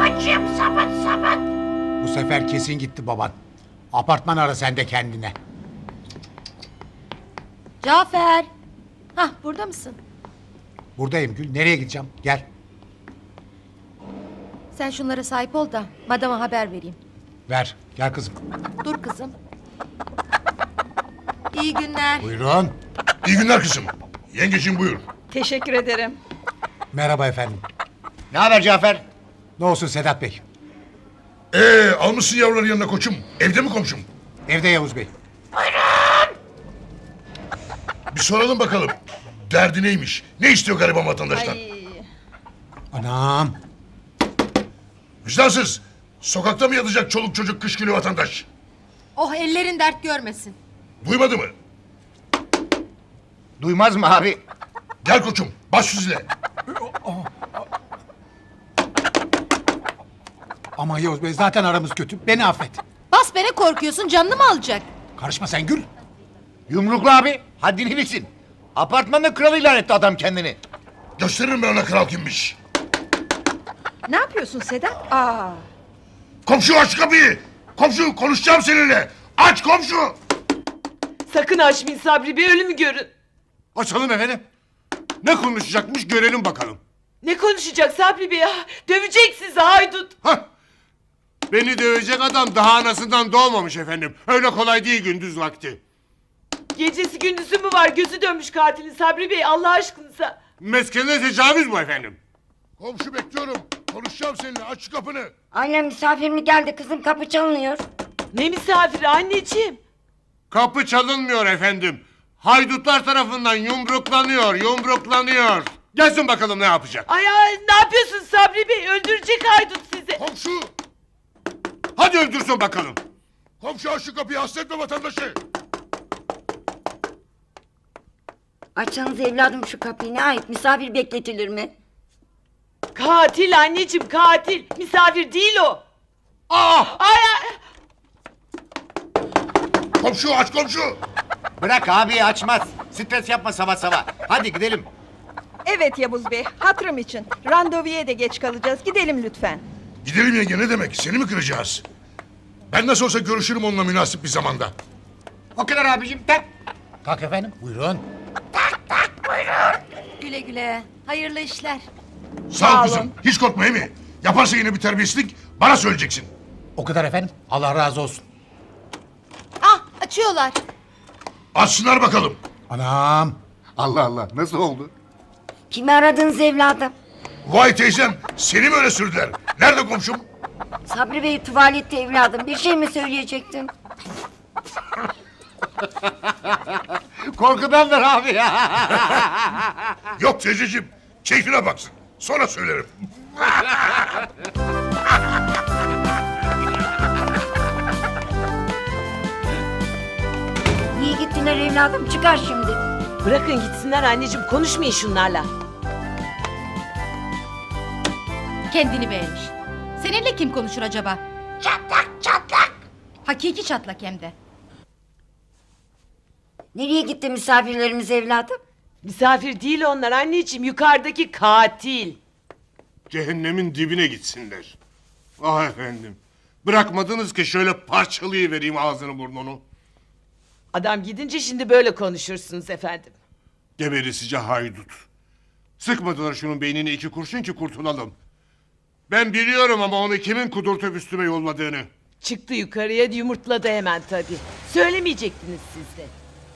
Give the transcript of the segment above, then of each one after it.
Babacığım sabun. Bu sefer kesin gitti baban. Apartman ara sen de kendine. Cafer. Hah, burada mısın? Buradayım Gül. Nereye gideceğim? Gel. Sen şunlara sahip ol da madama haber vereyim. Ver. Gel kızım. Dur kızım. İyi günler. Buyurun. İyi günler kızım. Yengeciğim buyur. Teşekkür ederim. Merhaba efendim. Ne haber Cafer? Ne olsun Sedat Bey? Almışsın yavruları yanına koçum. Evde mi komşum? Evde Yavuz Bey. Bir soralım bakalım. Derdi neymiş? Ne istiyor gariban vatandaştan? Anam. Vicdansız. Sokakta mı yatacak çoluk çocuk kış günü vatandaş? Oh, ellerin dert görmesin. Duymadı mı? Duymaz mı abi? Gel koçum. Baş süzle. Ama Yavuz Bey zaten aramız kötü. Beni affet. Bas bene, korkuyorsun, canını mı alacak? Karışma sen Gül. Yumruklu abi. Haddini bilsin. Apartmanda kral ilan etti adam kendini. Gösteririm ben ona kral kimmiş. Ne yapıyorsun Sedat? Aa. Komşu aç kapıyı. Komşu konuşacağım seninle. Aç komşu. Sakın açmayın Sabri Bey, ölümü görün. Açalım efendim. Ne konuşacakmış görelim bakalım. Ne konuşacak Sabri Bey ya? Dövecek sizi haydut. Hah! Beni dövecek adam daha anasından doğmamış efendim. Öyle kolay değil gündüz vakti. Gecesi gündüzü mü var? Gözü dönmüş katilin Sabri Bey, Allah aşkınıza. Meskene tecavüz bu efendim. Komşu bekliyorum. Konuşacağım seninle. Aç şu kapını. Annem misafir mi geldi kızım, kapı çalınıyor. Ne misafiri anneciğim? Kapı çalınmıyor efendim. Haydutlar tarafından yumruklanıyor. Gelsin bakalım ne yapacak. Ay ne yapıyorsun Sabri Bey? Öldürecek haydut sizi. Komşu. Hadi öldürsün bakalım. Komşu aç şu kapıyı. Hasretme vatandaşı. Açsanız evladım şu kapıyı, ne ait, misafir bekletilir mi? Katil anneciğim, katil. Misafir değil o. Aa! Ay ay. Komşu aç komşu. Bırak abi açmaz. Stres yapma sabah. Hadi gidelim. Evet Yavuz Bey, hatırım için. Randevuya da geç kalacağız. Gidelim lütfen. Gidelim yenge ne demek? Seni mi kıracağız? Ben nasıl olsa görüşürüm onunla münasip bir zamanda. O kadar abicim. Tak. Kalk efendim. Buyurun. Güle güle. Hayırlı işler. Sağ ol kızım. Hiç korkma Emi. Yaparsa yine bir terbiyesizlik bana söyleyeceksin. O kadar efendim. Allah razı olsun. Ah, açıyorlar. Açsınlar bakalım. Anam. Allah Allah nasıl oldu? Kimi aradınız evladım? Vay teyzem seni mi öyle sürdüler? Nerede komşum? Sabri Bey tuvalette evladım, bir şey mi söyleyecektin? Korkudandır abi ya. Yok teyzeciğim. Keyfine baksın. Sonra söylerim. Niye gittiler evladım, çıkar şimdi. Bırakın gitsinler anneciğim, konuşmayın şunlarla. Kendini beğenmiş. Seninle kim konuşur acaba? Çatlak. Hakiki çatlak hem de. Nereye gitti misafirlerimiz evladım? Misafir değil onlar anneciğim, yukarıdaki katil. Cehennemin dibine gitsinler. Ah efendim. Bırakmadınız ki şöyle parçalayıvereyim ağzını burnunu. Adam gidince şimdi böyle konuşursunuz efendim. Geberisice haydut. Sıkmadılar şunun beynine 2 kurşun ki kurtulalım. Ben biliyorum ama onu kimin kudurtup üstüme yolladığını. Çıktı yukarıya, yumurtladı hemen tabii. Söylemeyecektiniz siz de.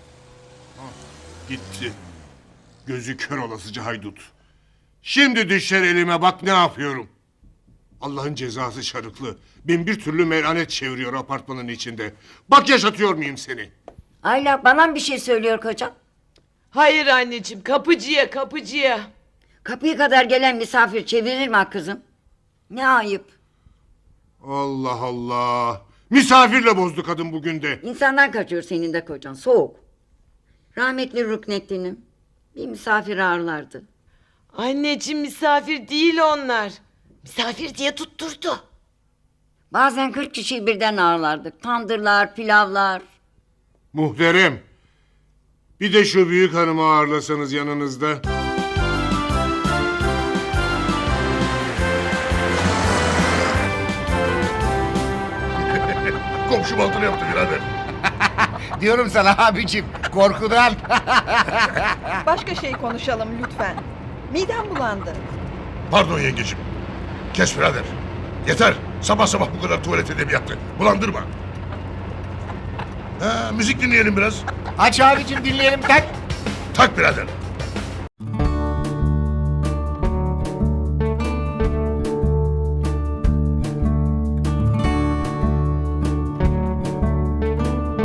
Gitti. Gözü kör olasıca haydut. Şimdi düşer elime bak ne yapıyorum. Allah'ın cezası şarıklı. Bin bir türlü melanet çeviriyor apartmanın içinde. Bak yaşatıyor muyum seni? Ayla, bana mı bir şey söylüyor kocam? Hayır anneciğim, kapıcıya. Kapıya kadar gelen misafir çevirir mi kızım? Ne ayıp. Allah Allah. Misafirle bozdu kadın bugün de. İnsandan kaçıyor senin de kocan, soğuk. Rahmetli Ruknettin'im bir misafir ağırlardı. Anneciğim misafir değil onlar. Misafir diye tutturdu. Bazen 40 kişiyi birden ağırlardık. Tandırlar, pilavlar. Muhterem. Bir de şu büyük hanımı ağırlasanız yanınızda. komşu baltını yaptı birader. Diyorum sana abicim korkudan. Başka şey konuşalım lütfen. Midem bulandı. Pardon yengecim. Kes birader. Yeter. Sabah sabah bu kadar tuvalet edebiyatı. Bulandırma. Müzik dinleyelim biraz. Aç abicim dinleyelim tak. Tak birader.